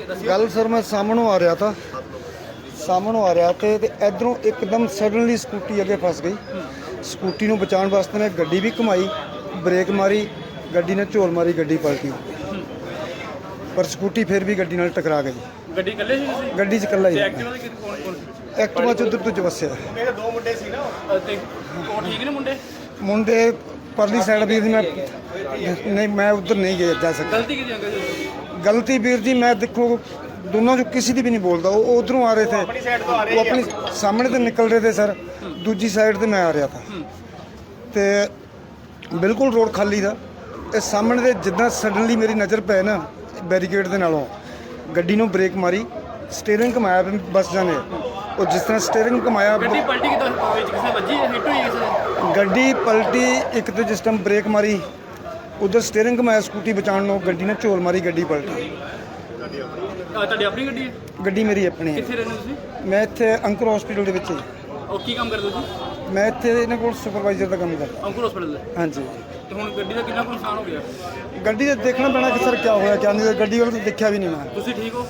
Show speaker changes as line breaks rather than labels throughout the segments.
गल सर मैं सामनों आ रहा था, सामनों आ रहा थे तो इधरों एकदम सडनली स्कूटी अगे फस गई। स्कूटी नूं बचाउण वास्ते मैं गड्डी भी घुमाई, ब्रेक मारी, गड्डी ने झोल मारी, गड्डी पलटी पर स्कूटी फिर भी गड्डी नाल टकरा गई।
ਗੱਡੀ ਇਕੱਲੇ ਸੀ ਤੁਸੀਂ?
गड्डी च कल्ला ही
ਐਕਟਿਵਾ ਦੇ ਕੌਣ ਕੌਣ ਸੀ?
एक्टिवा च उधर तो वस्या
ਮੇਰੇ ਦੋ ਮੁੰਡੇ ਸੀ ਨਾ ਤੇ ਉਹ ਠੀਕ ਨੇ ਮੁੰਡੇ?
मुंडे परली साइड भी मैं नहीं, मैं उधर नहीं गया जा सकता।
ਗਲਤੀ ਕਿਹਦੀ ਅੰਕਲ ਜੀ?
गलती वीर जी मैं देखो दोनों जो किसी की भी नहीं बोलता, वो उधरों आ रहे थे, वो अपनी सामने तो निकल रहे थे सर, दूजी साइड से मैं आ रहा था तो बिल्कुल रोड खाली था। ये सामने से जिदा सडनली मेरी नज़र पै ना बैरीकेड के नालों गड्डी नूं ब्रेक मारी, स्टेयरिंग घुमाया बस जाने, और जिस तरह स्टेयरिंग घुमाया
ਗੱਡੀ ਪਲਟੀ ਕਿਦਾਂ ਵਿੱਚ ਕਿਸੇ ਵੱਜੀ ਹਿੱਟ ਹੋਈ ਕਿਸੇ ਦੇ?
गड्डी पलटी एक तो जिस टाइम ब्रेक मारी उधर स्टेयरिंग घुमाया स्कूटी बचाने लो, गड्डी ने झोल मारी, गड्डी पलटी।
ਤੁਹਾਡੀ ਆਪਣੀ ਗੱਡੀ ਹੈ?
गड्डी मेरी अपनी है।
ਕਿੱਥੇ ਰਹਿੰਦੇ ਤੁਸੀਂ?
मैं इत्थे अंकुर हॉस्पिटल दे विच ही।
ਉਹ ਕੀ ਕੰਮ ਕਰਦੇ ਤੁਸੀਂ?
मैं इत्थे इन्हां कोल सुपरवाइजर का काम करदा।
ਅੰਕੁਰ ਹਸਪੀਟਲ ਦੇ?
हाँ जी।
ਤੇ ਹੁਣ ਗੱਡੀ ਦਾ ਕਿੰਨਾ ਕੁ ਨੁਕਸਾਨ ਹੋ ਗਿਆ?
गड्डी तो देखना पैना कि सर क्या होया क्या नहीं, गड्डी वाले तो देखा भी नहीं मैं।
ਤੁਸੀਂ ਠੀਕ ਹੋ?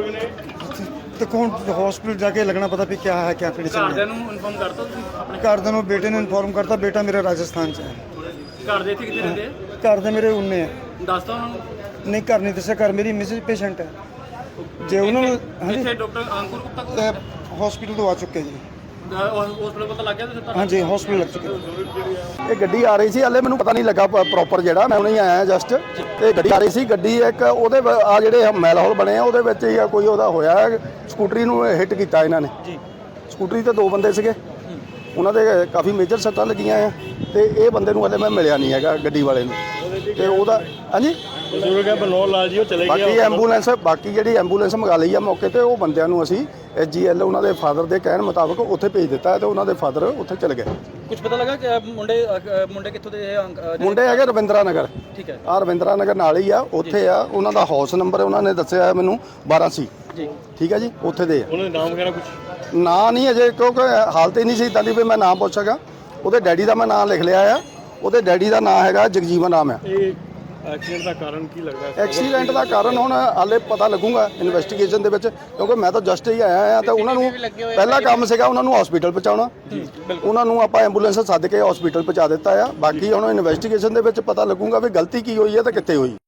देखो हुण हॉस्पिटल जाके लगना पता भी क्या है क्या कंडीशन है।
ਘਰਦਿਆਂ ਨੂੰ ਇਨਫੋਰਮ ਕਰਤਾ ਤੁਸੀਂ ਆਪਣੇ?
घर दे बेटे ने इन्फॉर्म करता, बेटा मेरा राजस्थान च है।
ਘਰ ਦੇ ਇੱਥੇ ਕਿੱਥੇ ਰਹਿੰਦੇ ਆ?
घर दे मेरे उन्ने है।
ਦੱਸਤਾ ਉਹਨਾਂ ਨੂੰ?
नहीं घर नहीं दस्या, घर मेरी मिसेज पेशेंट है जे उन्होंने। हाँ
ਇੱਥੇ
जी
ਡਾਕਟਰ ਅੰਕੁਰ ਗੁਪਤਾ ਕੋਲ
हॉस्पिटल तो आ चुके जी।
ਹਸਪੀਟਲ ਪਤਾ ਲੱਗ ਗਿਆ ਤੁਸੀਂ?
हाँ जी हॉस्पिटल लग चुके।
ਇਹ ਗੱਡੀ ਆ ਰਹੀ ਸੀ, ਹਲੇ ਮੈਨੂੰ ਪਤਾ ਨਹੀਂ ਲੱਗਾ ਪ੍ਰੋਪਰ, ਜਿਹੜਾ ਮੈਂ ਹੁਣੇ ਹੀ ਆਇਆ ਜਸਟ, ਤੇ ਗੱਡੀ ਆ ਰਹੀ ਸੀ, ਗੱਡੀ ਇੱਕ ਉਹਦੇ ਆ ਜਿਹੜੇ ਮੈਲ ਹੌਲ ਬਣੇ ਆ ਉਹਦੇ ਵਿੱਚ ਹੀ ਆ ਕੋਈ ਉਹਦਾ ਹੋਇਆ, ਸਕੂਟਰੀ ਨੂੰ ਹਿੱਟ ਕੀਤਾ ਇਹਨਾਂ ਨੇ ਜੀ। ਸਕੂਟਰੀ ਤੇ ਦੋ ਬੰਦੇ ਸੀਗੇ, ਉਹਨਾਂ ਦੇ ਕਾਫੀ ਮੇਜਰ ਸੱਟਾਂ ਲੱਗੀਆਂ ਆ, ਤੇ ਇਹ ਬੰਦੇ ਨੂੰ ਹਲੇ ਮੈਂ ਮਿਲਿਆ ਨਹੀਂ ਹੈਗਾ ਗੱਡੀ ਵਾਲੇ ਨੂੰ, ਤੇ ਉਹਦਾ ਹਾਂਜੀ
ਬਜ਼ੁਰਗ ਹੈ ਬਨੋਰ ਲਾਲ ਜੀ, ਉਹ ਚਲੇ ਗਏ।
ਬਾਕੀ ਐਂਬੂਲੈਂਸ, ਬਾਕੀ ਜਿਹੜੀ ਐਂਬੂਲੈਂਸ ਮੰਗਾ ਲਈ ਆ ਮੌਕੇ ਤੇ, ਉਹ ਬੰਦਿਆਂ ਨੂੰ ਅਸੀਂ SGL ਉਹਨਾਂ ਦੇ ਫਾਦਰ ਦੇ ਕਹਿਣ ਮੁਤਾਬਕ ਉੱਥੇ ਭੇਜ ਦਿੱਤਾ ਹੈ, ਤੇ ਉਹਨਾਂ ਦੇ ਫਾਦਰ ਉੱਥੇ ਚਲੇ ਗਏ।
ਕੁਝ ਪਤਾ ਲੱਗਾ ਕਿ ਮੁੰਡੇ ਕਿੱਥੋਂ ਦੇ?
ਮੁੰਡੇ ਹੈਗੇ ਰਵਿੰਦਰਾ ਨਗਰ।
ਠੀਕ ਹੈ।
ਆ ਰਵਿੰਦਰਾ ਨਗਰ ਨਾਲ ਹੀ ਆ, ਉੱਥੇ ਆ ਉਹਨਾਂ ਦਾ ਹਾਊਸ ਨੰਬਰ ਉਹਨਾਂ ਨੇ ਦੱਸਿਆ ਮੈਨੂੰ 12 ਸੀ
ਜੀ।
ਠੀਕ ਹੈ ਜੀ, ਉੱਥੇ ਦੇ ਆ।
ਉਹਨਾਂ ਦੇ ਨਾਮ ਵਗੈਰਾ ਕੁਝ
ਨਾਂ ਨਹੀਂ ਅਜੇ, ਕਿਉਂਕਿ ਹਾਲਤ ਹੀ ਨਹੀਂ ਸੀ ਇਦਾਂ ਦੀ ਵੀ ਮੈਂ ਨਾਮ ਪੁੱਛ ਸਕਾਂ। ਉਹਦੇ ਡੈਡੀ ਦਾ ਮੈਂ ਨਾਮ ਲਿਖ ਲਿਆ ਆ, ਉਹਦੇ ਡੈਡੀ ਦਾ ਨਾਮ ਹੈਗਾ ਜਗਜੀਵਨ ਨਾਮ ਆ।
ਇਹ ਐਕਸੀਡੈਂਟ ਦਾ ਕਾਰਨ ਕੀ ਲੱਗਦਾ ਹੈ?
ਐਕਸੀਡੈਂਟ ਦਾ ਕਾਰਨ ਹੁਣ ਹਾਲੇ ਪਤਾ ਲੱਗੂਗਾ ਇਨਵੈਸਟੀਗੇਸ਼ਨ ਦੇ ਵਿੱਚ, ਕਿਉਂਕਿ ਮੈਂ ਤਾਂ ਜਸਟ ਹੀ ਆਇਆ ਆ, ਤੇ ਉਹਨਾਂ ਨੂੰ ਪਹਿਲਾ ਕੰਮ ਸੀਗਾ ਉਹਨਾਂ ਨੂੰ ਹਸਪੀਟਲ ਪਹੁੰਚਾਉਣਾ, ਉਹਨਾਂ ਨੂੰ ਆਪਾਂ ਐਂਬੂਲੈਂਸ ਸੱਦ ਕੇ ਹਸਪੀਟਲ ਪਹੁੰਚਾ ਦਿੱਤਾ ਆ। ਬਾਕੀ ਹੁਣ ਇਨਵੈਸਟੀਗੇਸ਼ਨ ਦੇ ਵਿੱਚ ਪਤਾ ਲੱਗੂਗਾ ਵੀ ਗਲਤੀ ਕੀ ਹੋਈ ਹੈ ਤੇ ਕਿੱਥੇ ਹੋਈ।